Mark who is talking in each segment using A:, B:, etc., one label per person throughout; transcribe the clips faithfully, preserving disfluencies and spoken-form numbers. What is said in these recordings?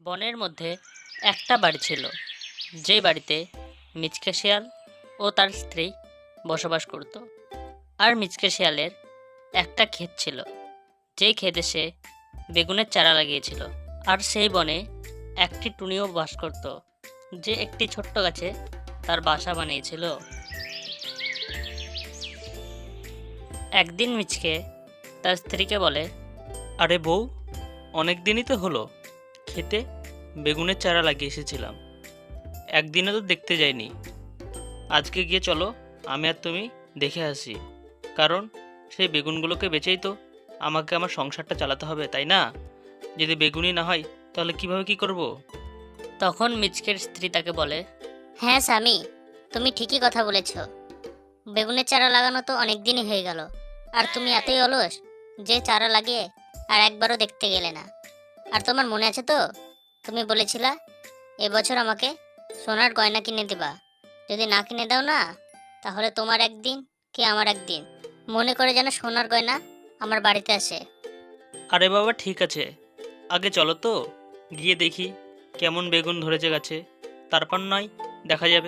A: বনের মধ্যে একটা বাড়ি ছিল, যে বাড়িতে মিচকে শিয়াল ও তার স্ত্রী বসবাস করত। আর মিচকে শিয়ালের একটা ক্ষেত ছিল, যে ক্ষেতে সে বেগুনের চারা লাগিয়েছিল। আর সেই বনে একটি টুনিও বাস করত, যে একটি ছোট্ট গাছে তার বাসা বানিয়েছিল। একদিন মিচকে তার স্ত্রীকে বলে,
B: আরে বউ, অনেক দিনই তো হলো খেতে বেগুনের চারা লাগিয়ে এসেছিলাম, একদিনও তো দেখতে যাইনি। আজকে গিয়ে চলো, আমি আর তুমি দেখে আসি। কারণ সেই বেগুনগুলোকে বেচেই তো আমাকে আমার সংসারটা চালাতে হবে, তাই না? যদি বেগুনই না হয় তাহলে কিভাবে কি করব?
A: তখন মিচকের স্ত্রী তাকে বলে,
C: হ্যাঁ স্বামী, তুমি ঠিকই কথা বলেছ। বেগুনের চারা লাগানো তো অনেক দিনই হয়ে গেল, আর তুমি এতই অলস যে চারা লাগিয়ে আর একবারও দেখতে গেলে না। আর তোমার মনে আছে তো, তুমি বলেছিলা এবছর আমাকে সোনার গয়না কিনে দিবা। যদি না কিনে দাও না, তাহলে তোমার একদিন কি আমার একদিন মনে করে যেন সোনার গয়না আমার বাড়িতে আসে।
B: আরে বাবা, ঠিক আছে, আগে চলো তো গিয়ে দেখি কেমন বেগুন ধরেছে গাছে, তারপর নয় দেখা যাবে।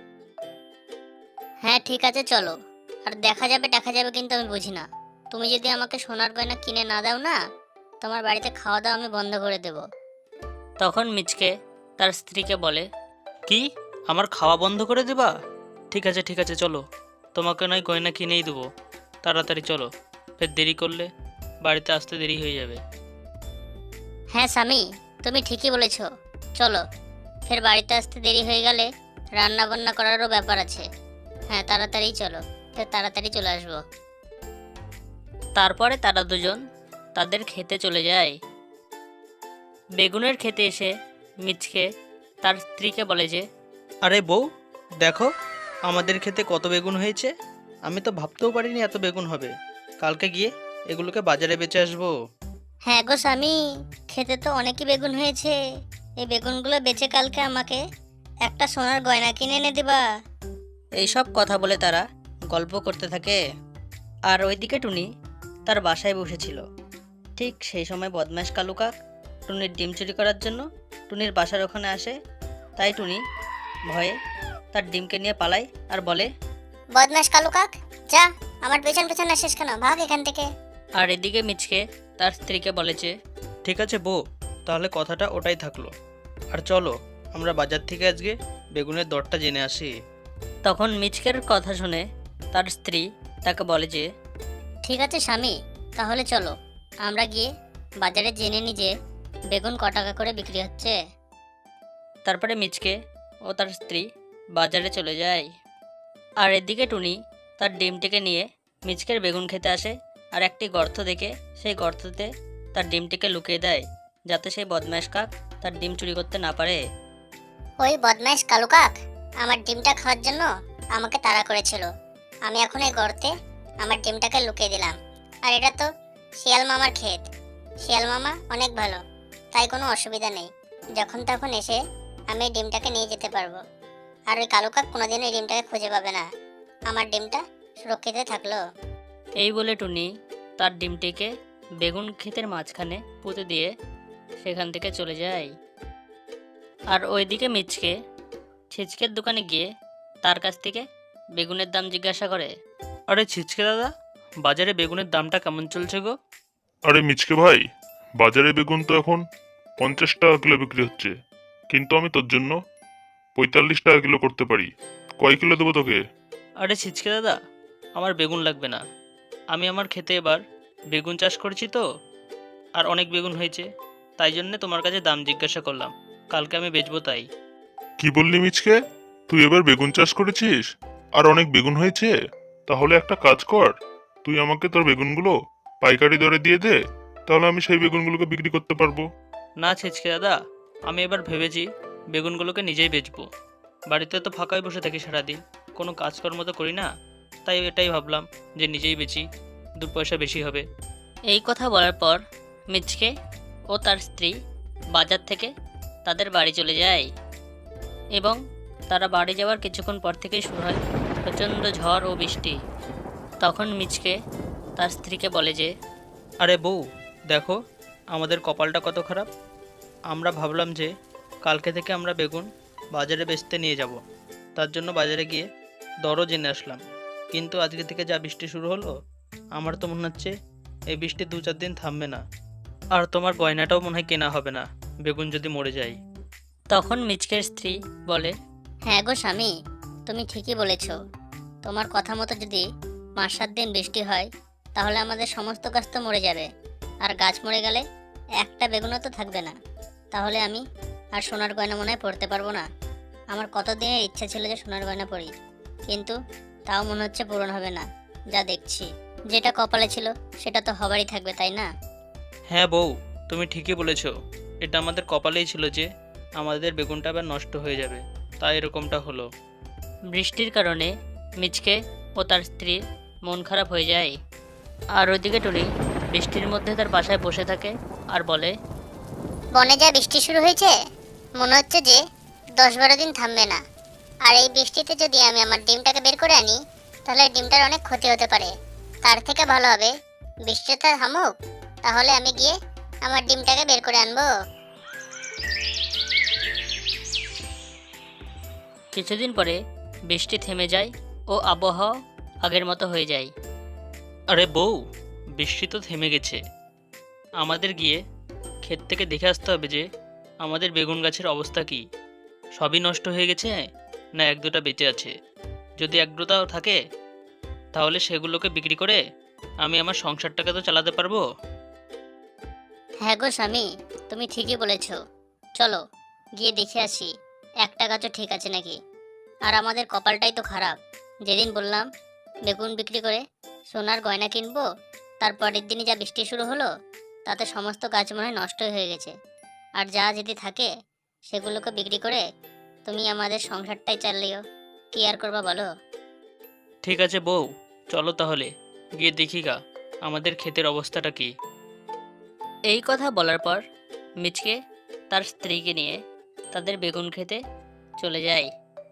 C: হ্যাঁ ঠিক আছে, চলো। আর দেখা যাবে দেখা যাবে কিন্তু আমি বুঝি না। তুমি যদি আমাকে সোনার গয়না কিনে না দাও না, তোমার বাড়িতে খাওয়া দাওয়া আমি বন্ধ করে দেব।
A: তখন মিচকে তার স্ত্রীকে বলে,
B: কি, আমার খাওয়া বন্ধ করে দেবা? ঠিক আছে ঠিক আছে, চলো, তোমাকে নয় গয়না কিনেই দেবো। তাড়াতাড়ি চলো, ফের দেরি করলে বাড়িতে আসতে দেরি হয়ে যাবে।
C: হ্যাঁ স্বামী, তুমি ঠিকই বলেছ। চলো, ফের বাড়িতে আসতে দেরি হয়ে গেলে রান্না বান্না করারও ব্যাপার আছে। হ্যাঁ তাড়াতাড়ি চলো, ফের তাড়াতাড়ি চলে আসবো।
A: তারপরে তারা দুজন তাদের খেতে চলে যায়। বেগুনের খেতে এসে মিচকে তার স্ত্রীকে বলে যে,
B: আরে বউ, দেখো আমাদের খেতে কত বেগুন হয়েছে। আমি তো ভাবতেও পারিনি এত বেগুন হবে। কালকে গিয়ে এগুলোকে বাজারে বেচে আসবো।
C: হ্যাঁ গো স্বামী, খেতে তো অনেকই বেগুন হয়েছে। এই বেগুনগুলো বেচে কালকে আমাকে একটা সোনার গয়না কিনে এনে দিবা।
A: এইসব কথা বলে তারা গল্প করতে থাকে। আর ওইদিকে টুনি তার বাসায় বসেছিল। ঠিক সেই সময় বদমাশ কালু কাক টুনির ডিম চুরি করার জন্য টুনির বাসার ওখানে আসে। তাই টুনি ভয়ে তার ডিমকে নিয়ে পালায় আর বলে,
C: বদমাস কালু কাক, যা, আমার পেছন পেছন আসিস কেন, ভাগ এখান থেকে।
A: আর এদিকে মিচকে তার স্ত্রীকে বলে যে,
B: ঠিক আছে বউ, তাহলে কথাটা ওটাই থাকলো। আর চলো আমরা বাজার থেকে আজকে বেগুনের দরটা জেনে আসি।
A: তখন মিচকের কথা শুনে তার স্ত্রী তাকে বলে যে,
C: ঠিক আছে স্বামী, তাহলে চলো আমরা গিয়ে বাজারে জেনে নি যে বেগুন ক টাকা করে বিক্রি হচ্ছে।
A: তারপরে মিচকে ও তার স্ত্রী বাজারে চলে যায়। আর এদিকে টুনি তার ডিমটিকে নিয়ে মিচকের বেগুন খেতে আসে। আর একটি গর্ত দেখে সেই গর্ততে তার ডিমটিকে লুকিয়ে দেয়, যাতে সেই বদমাশ কাক তার ডিম চুরি করতে না পারে।
C: ওই বদমাইশ কালু কাক আমার ডিমটা খাওয়ার জন্য আমাকে তাড়া করেছিল। আমি এখন এই গর্তে আমার ডিমটাকে লুকিয়ে দিলাম। আর এটা তো শিয়াল মামার ক্ষেত। শিয়াল মামা অনেক ভালো, তাই কোনো অসুবিধা নেই। যখন তখন এসে আমি এই ডিমটাকে নিয়ে যেতে পারবো। আর ওই কালু কাক কোনোদিন এই ডিমটাকে খুঁজে পাবে না। আমার ডিমটা সুরক্ষিত থাকলো।
A: এই বলে টুনি তার ডিমটিকে বেগুন ক্ষেতের মাঝখানে পুঁতে দিয়ে সেখান থেকে চলে যায়। আর ওইদিকে মিচকে ছিচকের দোকানে গিয়ে তার কাছ থেকে বেগুনের দাম জিজ্ঞাসা করে।
B: আরে ছিচকে দাদা, বাজারে বেগুনের দামটা কেমন চলছে গো?
D: আরে মিচকে ভাই, বাজারে বেগুন তো এখন পঞ্চাশ টাকা কিলো বিক্রি হচ্ছে, কিন্তু আমি তোর জন্য পঁয়তাল্লিশ টাকা কিলো করতে পারি। কয় কিলো দেবো তোকে?
B: আরে ছিচকে দাদা, আমার বেগুন লাগবে না। আমি আমার খেতে এবার বেগুন চাষ করেছি তো, আর অনেক বেগুন হয়েছে, তাই জন্যে তোমার কাছে দাম জিজ্ঞাসা করলাম। কালকে আমি বেচবো তাই।
D: কি বললি মিচকে? তুই এবার বেগুন চাষ করেছিস আর অনেক বেগুন হয়েছে? তাহলে একটা কাজ কর, তুই আমাকে তোর বেগুনগুলো পাইকারি দরে দিয়ে দে, তাহলে আমি সেই বেগুনগুলোকে বিক্রি করতে পারবো।
B: না ছিচকে দাদা, আমি এবার ভেবেছি বেগুনগুলোকে নিজেই বেচবো। বাড়িতে তো ফাঁকাই বসে থাকি সারাদিন, কোনো কাজকর্ম তো করি না, তাই এটাই ভাবলাম যে নিজেই বেচি, দু পয়সা বেশি হবে।
A: এই কথা বলার পর মিচকে ও তার স্ত্রী বাজার থেকে তাদের বাড়ি চলে যায়। এবং তারা বাড়ি যাওয়ার কিছুক্ষণ পর থেকেই শুরু হয় প্রচণ্ড ঝড় ও বৃষ্টি। তখন মিচকে তার স্ত্রীকে বলে যে,
B: আরে বউ, দেখো আমাদের কপালটা কত খারাপ। আমরা ভাবলাম যে কালকে থেকে আমরা বেগুন বাজারে বেচতে নিয়ে যাব। তার জন্য বাজারে গিয়ে দরও জেনে আসলাম। কিন্তু আজকে থেকে যা বৃষ্টি শুরু হলো, আমার তো মনে হচ্ছে এই বৃষ্টি দু চার দিন থামবে না। আর তোমার গয়নাটাও মনে হয় কেনা হবে না, বেগুন যদি মরে যায়।
A: তখন মিচকের স্ত্রী বলে,
C: হ্যাঁ গো স্বামী, তুমি ঠিকই বলেছ। তোমার কথা মতো যদি পাঁচ সাত দিন বৃষ্টি হয় তাহলে আমাদের সমস্ত গাছ তো মরে যাবে, আর গাছ মরে গেলে একটা বেগুনও তো থাকবে না। তাহলে আমি আর সোনার গয়না মনে হয় পরতে পারবো না। আমার কতদিনের ইচ্ছা ছিল যে সোনার গয়না পরি, কিন্তু তাও মনে হচ্ছে পূরণ হবে না। যা দেখছি, যেটা কপালে ছিল সেটা তো হবারই থাকবে, তাই না?
B: হ্যাঁ বউ, তুমি ঠিকই বলেছ। এটা আমাদের কপালেই ছিল যে আমাদের বেগুনটা আবার নষ্ট হয়ে যাবে, তাই এরকমটা হলো।
A: বৃষ্টির কারণে মিচকে ও তার স্ত্রীর মন খারাপ হয়ে যায়। আর ওইদিকে টুনি বৃষ্টির মধ্যে তার বাসায় বসে থাকে আর বলে,
C: বনে যা বৃষ্টি শুরু হয়েছে, মনে হচ্ছে যে দশ বারো দিন থামবে না। আর এই বৃষ্টিতে যদি আমি আমার ডিমটাকে বের করে আনি তাহলে ডিমটার অনেক ক্ষতি হতে পারে। তার থেকে ভালো হবে বৃষ্টিটা থামুক, তাহলে আমি গিয়ে আমার ডিমটাকে বের করে আনবো।
A: কিছুদিন পরে বৃষ্টি থেমে যায় ও আবহাওয়া আগের মতো হয়ে যায়।
B: আরে বউ, বৃষ্টি তো থেমে গেছে। আমাদের গিয়ে ক্ষেত থেকে দেখে আসতে হবে যে আমাদের বেগুন গাছের অবস্থা কি। সবই নষ্ট হয়ে গেছে না এক দুটা বেঁচে আছে। যদি এক দুটাও থাকে তাহলে সেগুলোকে বিক্রি করে আমি আমার সংসারটাকে তো চালাতে পারবো।
C: হ্যাঁ গো স্বামী, তুমি ঠিকই বলেছ। চলো গিয়ে দেখে আসি একটা গাছও ঠিক আছে নাকি। আর আমাদের কপালটাই তো খারাপ, যেদিন বললাম বেগুন বিক্রি করে সোনার গয়না কিনবো, তারপরের দিনই যা বৃষ্টি শুরু হলো, তাতে সমস্ত গাছ মনে হয় নষ্ট হয়ে গেছে। আর যা যদি থাকে সেগুলোকে বিক্রি করে তুমি আমাদের সংসারটাই চালিও, কি আর করবা বলো।
B: ঠিক আছে বউ, চলো তাহলে গিয়ে দেখি গা আমাদের ক্ষেতের অবস্থাটা কি।
A: এই কথা বলার পর মিচকে তার স্ত্রীকে নিয়ে তাদের বেগুন খেতে চলে যায়।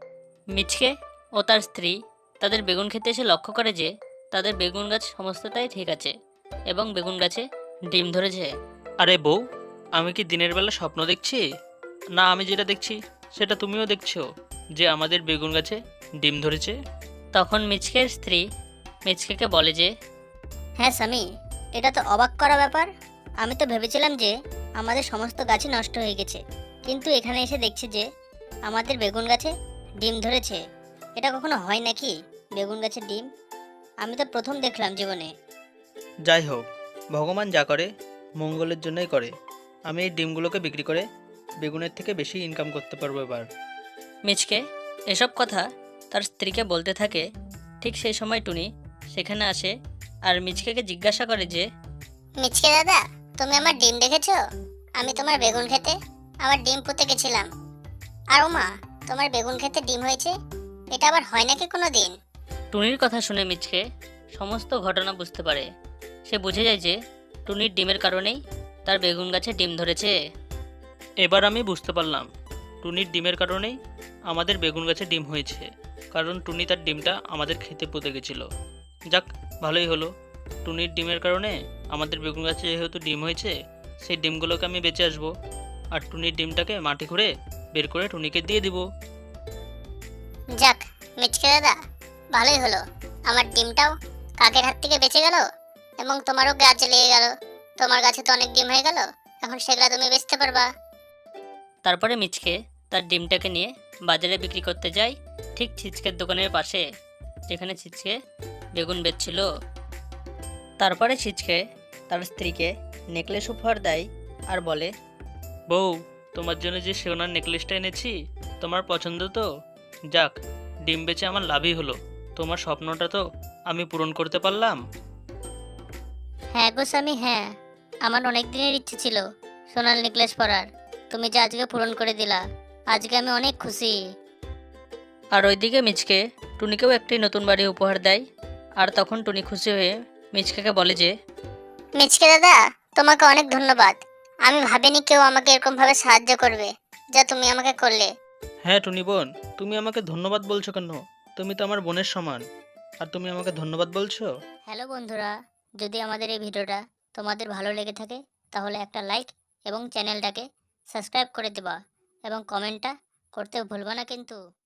A: মিচকে ও তার স্ত্রী তাদের বেগুন খেতে এসে লক্ষ্য করে যে তাদের বেগুন গাছ সমস্তটাই ঠিক আছে এবং বেগুন গাছে ডিম ধরেছে।
B: আরে বউ, আমি কি দিনের বেলা স্বপ্ন দেখছি? না, আমি যেটা দেখছি সেটা তুমিও দেখছো, যে আমাদের বেগুন গাছে ডিম ধরেছে।
A: তখন মিচকের স্ত্রী মিচকেকে বলে যে,
C: হ্যাঁ স্বামী, এটা তো অবাক করা ব্যাপার। আমি তো ভেবেছিলাম যে আমাদের সমস্ত গাছই নষ্ট হয়ে গেছে, কিন্তু এখানে এসে দেখছি যে আমাদের বেগুন গাছে ডিম ধরেছে। এটা কখনো হয় নাকি, বেগুন গাছে ডিম? আমি তো প্রথম দেখলাম জীবনে।
B: যাই হোক, ভগবান যা করে মঙ্গলের জন্যই করে। আমি এই ডিমগুলোকে বিক্রি করে বেগুনের থেকে বেশি ইনকাম করতে পারবো এবার।
A: মিচকে এসব কথা তার স্ত্রীকে বলতে থাকে। ঠিক সেই সময় টুনি সেখানে আসে আর মিচকেকে জিজ্ঞাসা করে যে,
C: মিচকে দাদা, তুমি আমার ডিম দেখেছো? আমি তোমার বেগুন খেতে আমার ডিম পুঁতে গেছিলাম, আর ওমা, তোমার বেগুন খেতে ডিম হয়েছে। এটা আবার হয় নাকি কোনো দিন?
A: টুনির কথা শুনে মিচকে সমস্ত ঘটনা বুঝতে পারে। সে বুঝে যায় যে টুনির ডিমের কারণেই তার বেগুন গাছে ডিম ধরেছে।
B: এবার আমি বুঝতে পারলাম টুনির ডিমের কারণেই আমাদের বেগুন গাছে ডিম হয়েছে, কারণ টুনি তার ডিমটা আমাদের খেতে পুঁতে গেছিল। যাক, ভালোই হলো। টুনির ডিমের কারণে আমাদের বেগুন গাছে যেহেতু ডিম হয়েছে, সেই ডিমগুলোকে আমি বেঁচে আসবো, আর টুনির ডিমটাকে মাটি খুঁড়ে বের করে টুনিকে দিয়ে দিব।
C: যাক মিচকে দাদা, ভালোই হলো। আমার ডিমটাও কাকের হাত থেকে বেঁচে গেল এবং তোমারও গাছে লেগে গেল। তোমার গাছে তো অনেক ডিম হয়ে গেল, এখন সেগুলো তুমি বেচতে পারবা।
A: তারপরে মিচকে তার ডিমটাকে নিয়ে বাজারে বিক্রি করতে যায়, ঠিক ছিচকের দোকানের পাশে, যেখানে ছিচকে বেগুন বেচছিল। তারপরে ছিচকে তার স্ত্রীকে নেকলেস উপহার দেয় আর বলে,
B: বউ, তোমার জন্য যে সোনার নেকলেসটা এনেছি তোমার পছন্দ তো? যাক, ডিম বেচে আমার লাভই হলো। তোমার স্বপ্নটা তো আমি পূরণ করতে পারলাম।
C: হ্যাঁ গো স্বামী, হ্যাঁ, আমার অনেক দিনের ইচ্ছে ছিল সোনার নেকলেস পরার। তুমি যে আজকে পূরণ করে দিলা, আজকে আমি অনেক খুশি।
A: আর ওইদিকে মিচকে টুনিকেও একটি নতুন বাড়ি উপহার দেয়। আর তখন টুনি খুশি হয়ে মিচকেকে বলে যে,
C: মিচকে দাদা, তোমাকে অনেক ধন্যবাদ। আমি ভাবিনি কেউ আমাকে এরকম ভাবে সাহায্য করবে, যা তুমি আমাকে করলে।
B: হ্যাঁ টুনি বোন, তুমি আমাকে ধন্যবাদ বলছো কেন? তুমি তো আমার বোনের সমান, আর তুমি আমাকে ধন্যবাদ বলছো?
C: হ্যালো বন্ধুরা, যদি আমাদের এই ভিডিওটা তোমাদের ভালো লেগে থাকে তাহলে একটা লাইক এবং চ্যানেলটাকে সাবস্ক্রাইব করে দেবা এবং কমেন্টটা করতে ভুলবা না কিন্তু।